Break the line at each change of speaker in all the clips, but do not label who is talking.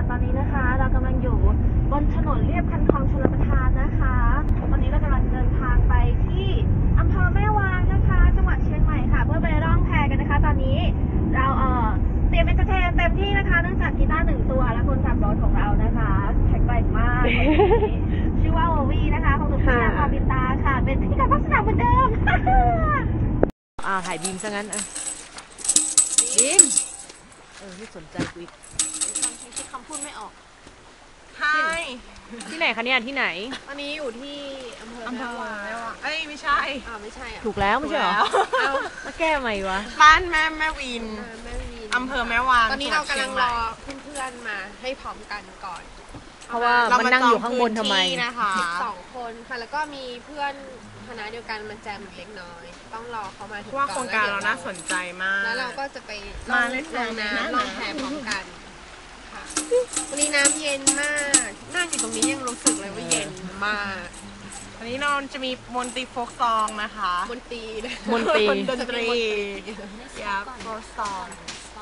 ตอนนี้นะคะเรากำลังอยู่บนถนนเลียบคันคลองชลประทานนะคะตอนนี้เรากำลังเดินทางไปที่อำเภอแม่วางนะคะจังหวัดเชียงใหม่ค่ะเพื่อไปร่องแพกันนะคะตอนนี้เราเตรียมเอนเตอร์เทนเต็มที่นะคะเนื่องจากกีตาร์1 ตัวและคนขับรถของเรานะคะแข็งแกร่งมากชื่อว่าโอวีนะคะของหนูพิชาพรบินตาค่ะเป็นพิธีกรภาคสนามเหมือนเดิม
ถ่ายบีมซะงั้นบีมไม่สนใจกูอีก
คิดคำพูดไม่ออก
ที่ไหนคะเนี่ยที่ไหน
อันนี้อยู่ที่อำเภอแม่วาง
ไม่ใช่
ไม่ใช่
ถูกแล้วไม่ใช่หรอมาแก้ใหม่วะ
บ้านแม่วินอำเภอแม่วาง
ตอนนี้เรากำลังรอเพื่อนๆมาให้พร้อมกันก่อน
เพราะว่ามันนั่งอยู่ข้างบนทำไม
นะคะ2 คนค่ะแล้วก็มีเพื่อนคณะเดียวกันมาแจมเล็กน้อยต้องรอเขามาถึงก่อน
ว่าโครงการเราน่าสนใจมาก
แล้วเราก็จะไปลงน้ำลงแพพร้อมกันค่ะวันนี้น้ำเย็นมากนั่งอยู่ตรงนี้ยังรู้สึกเลยว่าเย็นมาก
วันนี้เราจะมีมนตรีโฟกซองนะคะ
มนตรี
ดนตรียับโฟกซอง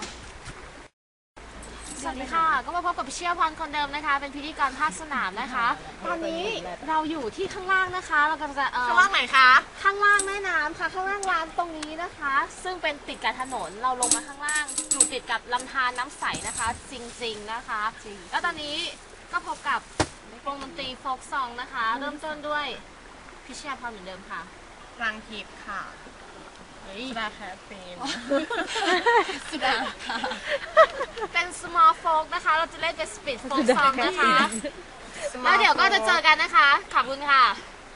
สวัสดีค่ะก็มาพบกับพี่เชี่ยวพรคนเดิมนะคะเป็นพิธีกรภาคสนามนะคะตอนนี้เราอยู่ที่ข้างล่างนะคะเรากำลังจะ
ข้างล่างไหนคะ
ข้างล่างแม่น้ำค่ะข้างล่างร้านตรงนี้นะคะซึ่งเป็นติดกับถนนเราลงมาข้างล่างอยู่ติดกับลำธารน้ำใสนะคะจริงๆนะคะแล้วตอนนี้ก็พบกับวงดนตรีโฟล์คซองนะคะเริ่มต้นด้วยพี่เชี่ยวพรเหมือนเดิมค่ะ
รังทิพย์ค่ะสุดาแคปเฟน
สุดาค่ะเป็น small folk นะคะเราจะเล่นเป็น speed folk song นะคะแล้วเดี๋ยวก็จะเจอกันนะคะขอบคุณค่ะ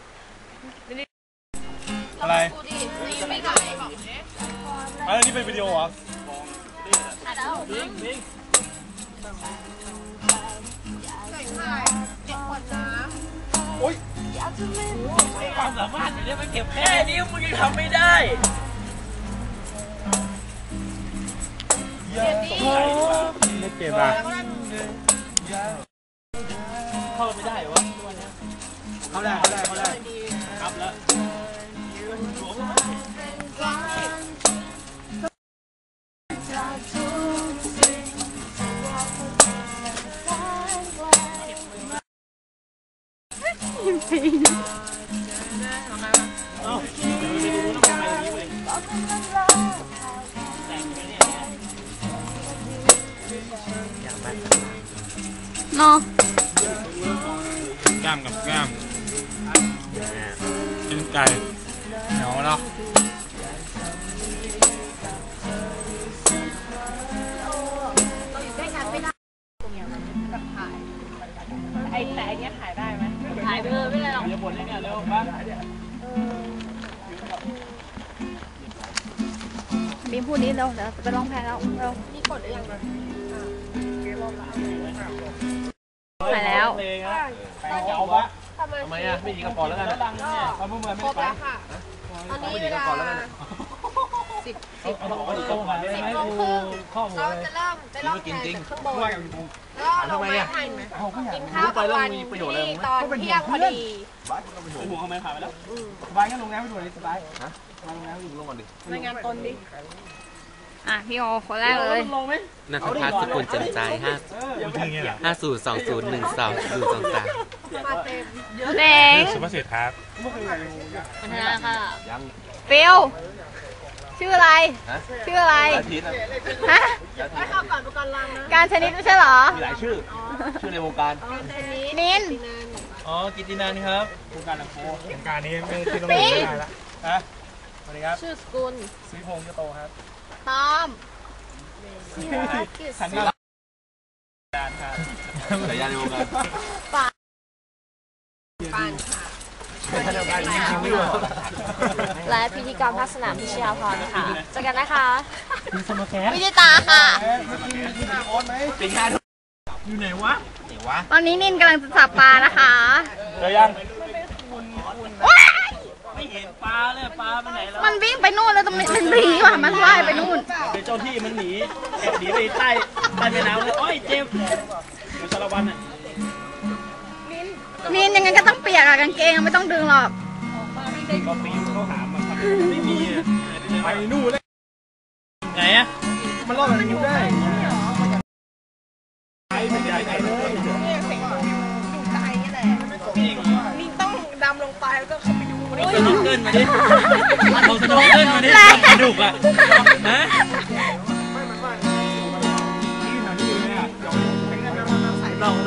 อะไร
กูดินี่ไม่ก่อน
อะไรนี่เป็นวิดีโอเหรอ
บิงเด็กขวดน้ำ
โอ๊ย
ความสามารถอย่างนี้มันเก็บแค่นี้มึงยังทำไม่ได้
ไม่เก็บอ่ะ
เข้าไม่ได้วะตัวนี้
เข้าได้
กลับแล้ว
เนาะ
กล้ามกับกล้ามกินไก่เหนียวเนาะ
แต่อันนี้ขายได้ไหม
ขายไปเลยไม่ได้หรอก
อย่าบ่นเลยเนี่ยเร็วบ้าง
บีมพูดนี้เร็วเดี๋ยวไปร้องแพแล้วเร็ว
นี่กดหรือยัง
ไปแล้ว
เอาวะทำไมอ่ะไม่ยิงกระป๋องแล้วกันเขาเพิ่งมาไม่ไป
ตอนนี้เวลา10 โมงครึ่งเราจะเริ่มไปล่องแพจากข้างบนแล้วเราไปกินข้าวกลางวันที่ตอนเที่ยงพอดี
หัวเขาไม่ผ่านไปแล้ว
สบายงั้นลงน้ำไปดูเลยสบายลงน้ำลงก่อนดิ
รายงานตนดิ
พี่โอคนแรกเลย
นัทพัฒน์สกุลแจ่มใจ5020120223
เด็ก
สุภาษิตครับ
พัฒนาค่ะ
ฟิลชื่ออะไรฮะ
ให้เข้าก่อนประกันรังนะ
การชนิดไม่ใช่หรอ
มีหลายชื่อในวงการ
นิน
กิตตินันครับวงการนักโทษ
วงการนี้ไม่ที่ต้องได้แล้วฮะสวัสดีครับ
ชื่อสกุล
สุริพงษ์ยโตครับ
ตอม
สัญญาการครับ
สัญญาในวงการ
ปานค่ะและพิธีกรภาคสนามพิชยาพรค่ะเจอกันนะคะวิจิตาค่ะ
อยู่ไหนวะ
ตอนนี้นินกำลังจะจับปลานะคะ
เจอยัง
ไม่เห็นปลาเลยปลาไปไหนแล้ว
มันวิ่งไปนู่นแล้วตรงนี้เป็นผีว่ะมันว่ายไปนู่น
เป็นเจ้าที่มันหนีไปใต้แม่น้ำเลยโอ้ยเจ็บอยู่สารวัตรน่ะ
นินยังไงก็ต้องเปียกอะกางเกงไม่ต้องดึงหรอก
ก็ปีนเขาหามาไม่มี
ไปนู่นเลย
ไหนอะ
มันรอดแบบนี้ได้ไปไม่ได้
เอาสโนว์เกิลมาดิเอาสโนว์เกิลมาดิกระดูกอ่ะฮะลอง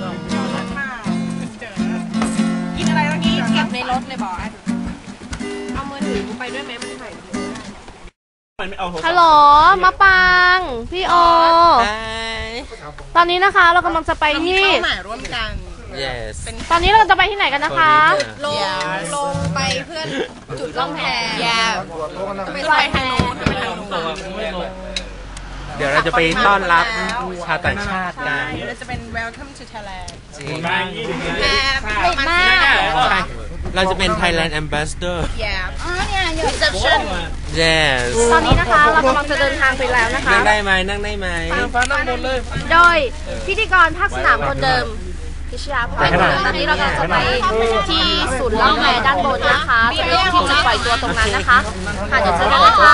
กินอะไรเมื่อกี้เก็บในรถเลยบอกเอามือถือไปด้วยไหมมันถ่าย
ฮัลโหลมะปางพี่โอตอนนี้นะคะเรากำลังจะไปที่
เป้าหมายร่วมกัน
yes
ตอนนี้เราจะไปที่ไหนกันนะคะ
ลงไปเพื่อนจุดล่องแพไปทางโน้นไปทางโน้น
เดี๋ยวเราจะไปต้อนรับชาวต่างชาติกัน
เราจะเป็น welcome to Thailand
จริง
แพมาก
ใช่เราจะเป็น Thailand Ambassador
reception
yes
ตอนนี้นะคะเรากำลังจะเดินทางไปแล้วนะคะ
นั่งได้ไหมนั่งได้ไหม
โดยพิธีกรภาคสนามคนเดิมพิชยาพรตอนนี้เรากำลังจะไปที่ศูนย์ล่องแพด้านบนนะคะจะเป็นที่จุดปล่อยตัวตรงนั้นนะคะค่ะเดี๋ยวเจอกันนะคะ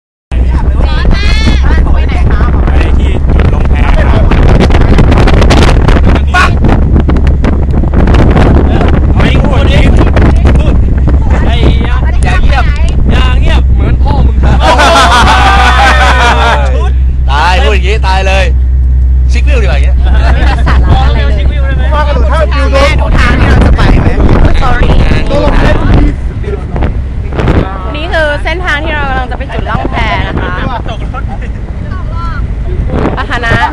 ไปที่จุดลงแพครับปั๊บเอาอีกพูดอีกพูดไอ้อย่าเงียบเหมือนพ่อมึงทำตายพูดอย่างงี้ตายเลยชิควิวดีกว่าอย่างเงี้ย
ไม่มีสาระอะไรเลย
ว่ากระโดดท่าวิวโดน
ทุกทางที่เราจะไปไหม
sorry
นี่คือเส้นทางที่เรากำลังจะไปจุดล่องแพนะคะอาหารนะ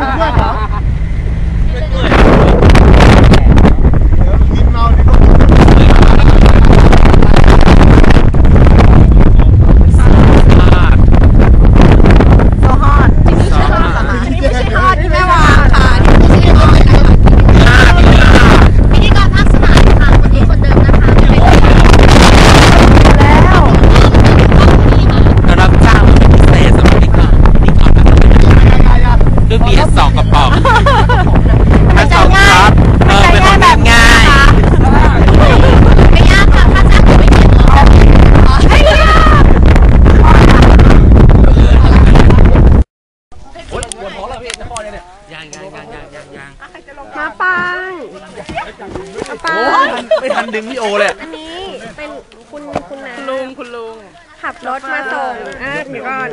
โซฮอตที่นี่ไม่ใช่ฮอตที่แม่วางค่ะที่ไม่ใช่ฮอต
พิธีกรภาคสนามค่ะคนนี้คนเดิมนะคะจะเป็น
แล้ว
เรารับจ้างเป็นพิเศษสำหรับนี่ก่อนด้วย BS 2กระป๋องถ้าสองครับเป็นของแบบง่าย
ไม่ยากค่ะถ้าจ้างผมไม่เก็บหรอกไม่ยาก
ยัง
มาปังมาปัง
ไม่ทันดึงพี่โอเลย
อันนี้เป็นคุณนะคุณลุงขับรถมาส่งเดี๋ยวก่อน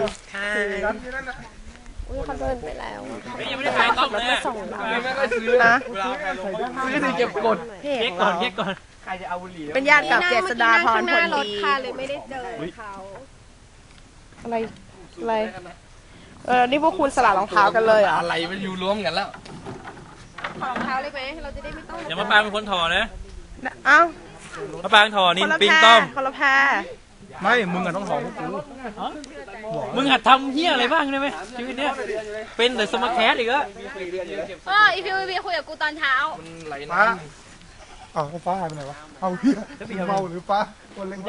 อุ้ยเขาเดินไปแล้ว
ยังไม่ได้ขายต้องเลย
ส่งเรา
นะ
ซื้อถึงเก็บกดเพจ
เก๊กก่อนเก๊กก่อน
เป็นญาติกับเจษฎาพรผลดี
เลยไม่ได้เจอเขา
อะไรนี่พวกคุณสลัดรองเท้ากันเลยเหรอ
อะไรมันอยู่รวมกันแล้ว
ขอรองเท้าเลยไหมเราจะได้ไม่ต้อง
อย่ามาปางเป็นคนถอนะ
เอ้า
มาปางถอนี่
คนละ
ปิง
แพร
ต้อม
คนละแพร
ไม่มึงอะต้องหอมพวกกู
มึงหัดทำเฮี้ยอะไรบ้างได้ไหมชีวิตเนี้ยเป็นแต่สมาแคสอีกแล้ว
อีพีวีคุยกับกูตอนเช้า
ฟ้าอ้าวฟ้าหายไปไหนวะเอาเหี้ยเมาหรือฟ้าคนเล่น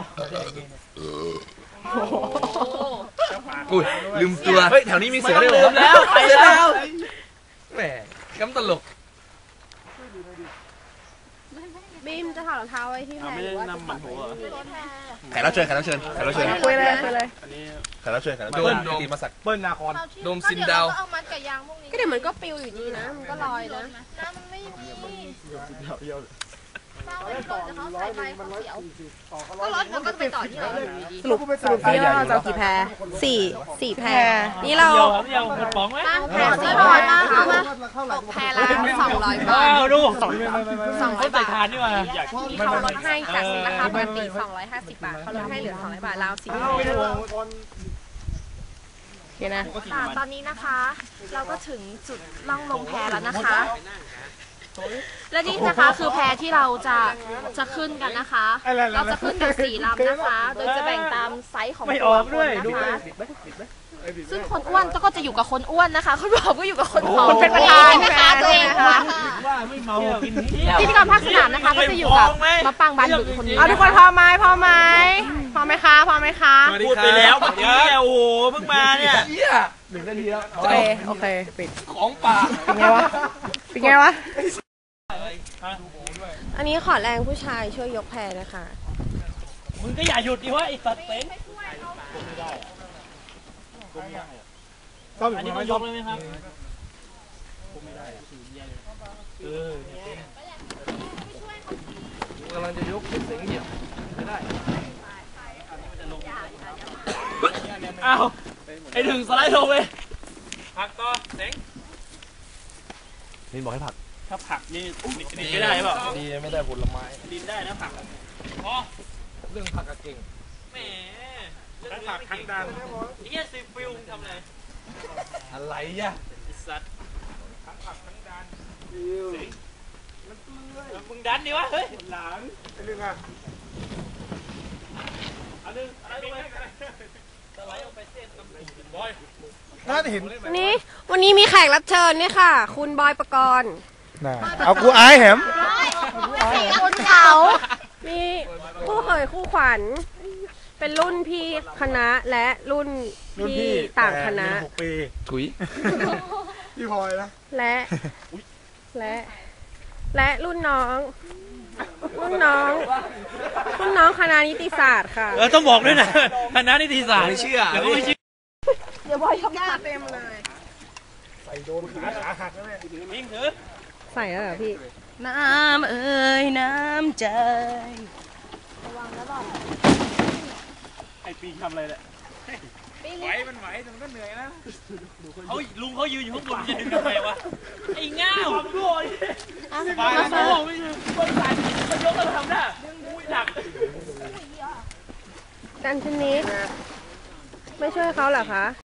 อุ้ยลืมตัวเฮ้ยแถวนี้มีเสือด้วย
ลืมแล้วไปแล้ว
แหมกำตลก
บีมจะถอดรองเท้าไว้ที่แพรหรือว่าจะถอดไว้ที่
แขกรับเชิญ
คุยเลย
โดนตีมาสัก
เปิ้ลนาคอน
โดมซินดาว
เอามัดกับยางพวกนี้
ก็เดี๋ยวมันก็ปิวอยู่ดีนะ
มันก็ลอยนะน้ำมันไม่มีเมาเลยก่อนเขาใส่ไปเขาเสียวก็รถเราก็ไปต่อที่ไหน
สรุปพี่เราจะเอากี่แพรสี่แพรนี่เรา
เดียวหมดป๋องไหม
แพรที่ถอดมาเอามาตกแพรละ200 บาท
ว้าวดู
200
ใส่
บาท
ทานนี่มา
ที่เขาลดให้จากราคาปกติ250 บาทเขาลดให้เหลือ200 บาทแล้วสิ
โอเคนะ
ตอนนี้นะคะ เราก็ถึงจุดล่องลงแพแล้วนะคะ และนี่นะคะคือแพที่เราจะขึ้นกันนะคะ เราจะขึ้นกัน4 ลำนะคะ โดยจะแบ่งตามไซส์ของ
ไม่
ตั
อ
ว
อก
ค
ด้วย
น
ดู
นะคะ ซึ่งคนอ้วนก็จะอยู่กับคนอ้วนนะคะ คนผอมก็อยู่กับคนผอม
คนเป็นประธาน
นะคะตัวเองค่ะ
ว่าไม่เมากินเที่ยว
พิธีกรภาคสนามนะคะก็จะอยู่กับมะปังบานบึกคนนี้
เอาทุกคนพอไหมพร้อมไหมคะ
พูดไปแล้วเมื่อกี้โอ้โหเพิ่งมาเนี่ย
โอเคปิด
ของป่า
เป็นไงวะอันนี้ขอแรงผู้ชายช่วยยกแพรนะคะ
มึงก็อย่าหยุดดิวะไอ้สัตว์เต็ง
ชอบ
อันนี้
ไม่
มัน
ช
ย
อบ
กเลยไหมครับเออก
ำลังจะยกเสียงเหี่ยวไม่ได้
อ้าวไอ้ถึงสไลด์ลงไปผักต่อเซ็ง
นินบอกให้ผัก
ถ้าผักนี่ดินไม่ได้เปล่า
ดีไม่ได้ผลไม้
ดินได้นะผักพอ
เรื่องผักก็เก่ง
แหมทั้งผักทั้งดันไอ้เหี้ยซีฟิลทำอะไร
อะไรอ่ะ
ไอ้สัตว์ทั้งผักทั้งดันมึงดันดิวะเฮ้ยหลังไอ้เรื่องอ่ะอันนึงอะไรลงไปสไลด์ลงไปเส้นตำรวจบอย
น่าจะเห็น
วันนี้มีแขกรับเชิญเนี่ยค่ะ คุณบอยปกรณ์
เอากูอายแหม
คุณเขามีคู่เคยคู่ขวัญ เป็นรุ่นพี่คณะและรุ่นพี่ต่างคณะ
6 ปีถุยพี่พลอยนะ
และรุ่นน้องคณะนิติศาสตร์ค่ะ
ต้องบอกด้วยนะคณะนิติศาสตร์ไม่เชื่อเดี๋ยวก็ไม่เชื่อ
เดี๋ยวบอยยกหน้าเต็มเลย
ใส่โดนขาหักแล้วเนี่ย
ยิงถือ
ใส่แล้วเหรอพี่
น้ำเอ่ยน้ำใจ
ไอ้ปีทำอะไรแหละไหวมันไหวแต่มันก็เหนื่อยนะเขาลุงเขายืนอยู่ข้างบนจะดึงทำไมวะไอ้ง่าวความโง่ไปแล้วโง่ไม่ใช่คนใส่เขายกแล้วทำได้หนัก
กันชนิดไม่ช่วยเขาเหรอคะ